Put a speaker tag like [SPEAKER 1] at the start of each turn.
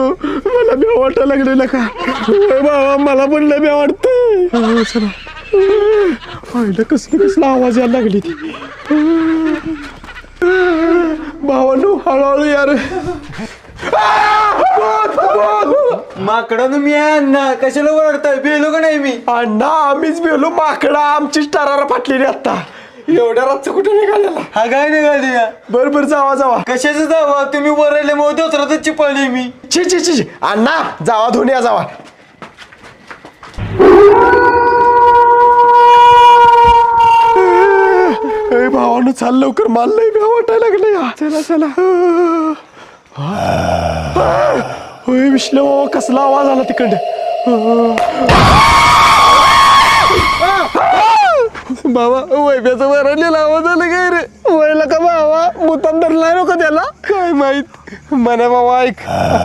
[SPEAKER 1] मला बी वाटायला लागलेलं का बाबा मला पण लय बी वाटतंय चला पाहिलं कसला आवाज यायला लागली ती भावानो हळूहळू यार
[SPEAKER 2] माकडं मी अण्णा कशाला ओरडताय बेलो का नाही मी
[SPEAKER 1] अण्णा आम्हीच बेलो माकडा आमचीच टरारा फाटलेली आता एवढ्या रातचं कुठे निघालेला
[SPEAKER 2] हा काय निघाली
[SPEAKER 1] बरोबर जावा
[SPEAKER 2] कशाचं जावा तुम्ही वरले मग दुसराच चिपळली मी
[SPEAKER 1] ची अण्णा जावा धुन या जावा भावानं चाल लवकर माल लय भ्या वाटायला लागलं या चला होय विश्ले बाबा कसला आवाज आला तिकडं बाबा वैब्याचा वरडलेला आवाज आला काय रे वयला का बाबा मुतान धरलाय नको त्याला काय माहित म्हणा बाबा ऐक